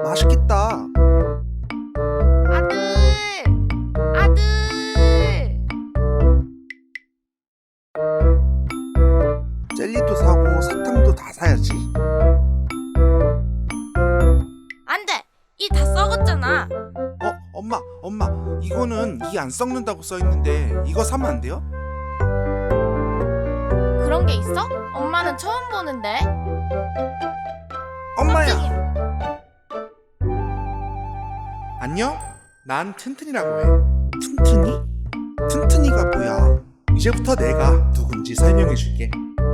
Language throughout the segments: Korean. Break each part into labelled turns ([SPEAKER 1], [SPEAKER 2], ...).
[SPEAKER 1] 맛있겠다.
[SPEAKER 2] 아들! 아들!
[SPEAKER 1] 젤리도 사고 사탕도 다 사야지.
[SPEAKER 2] 안 돼! 이 다 썩었잖아.
[SPEAKER 1] 엄마, 이거는 이 안 썩는다고 써있는데 이거 사면 안 돼요?
[SPEAKER 2] 그런 게 있어? 엄마는 처음 보는데.
[SPEAKER 1] 엄마야!
[SPEAKER 2] 깜짝이야.
[SPEAKER 1] 안녕? 난 튼튼이라고 해. 튼튼이? 튼튼이가 뭐야? 이제부터 내가 누군지 설명해 줄게.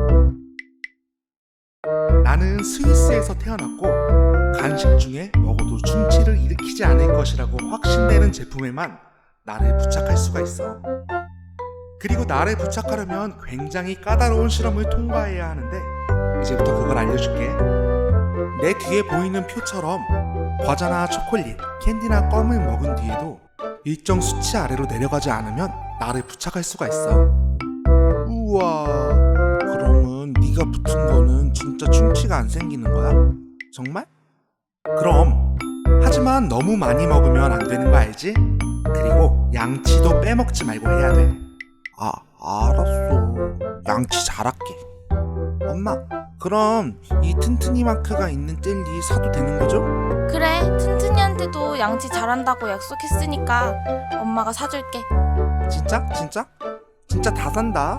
[SPEAKER 1] 나는 스위스에서 태어났고 간식 중에 먹어도 충치를 일으키지 않을 것이라고 확신되는 제품에만 나를 부착할 수가 있어. 그리고 나를 부착하려면 굉장히 까다로운 실험을 통과해야 하는데 이제부터 그걸 알려줄게. 내 뒤에 보이는 표처럼 과자나 초콜릿, 캔디나 껌을 먹은 뒤에도 일정 수치 아래로 내려가지 않으면 나를 부착할 수가 있어. 우와, 그러면 네가 붙은 거는 진짜 충치가 안 생기는 거야? 정말? 그럼, 하지만 너무 많이 먹으면 안 되는 거 알지? 그리고 양치도 빼먹지 말고 해야 돼. 알았어. 양치 잘할게. 엄마, 그럼 이 튼튼이 마크가 있는 젤리 사도 되는 거죠?
[SPEAKER 2] 그래, 튼튼이한테도 양치 잘한다고 약속했으니까 엄마가 사줄게.
[SPEAKER 1] 진짜? 진짜 다 산다.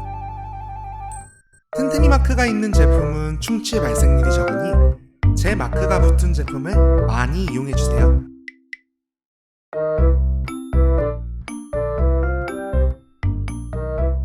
[SPEAKER 1] 튼튼이 마크가 있는 제품은 충치 발생률이 적으니 제 마크가 붙은 제품을 많이 이용해주세요.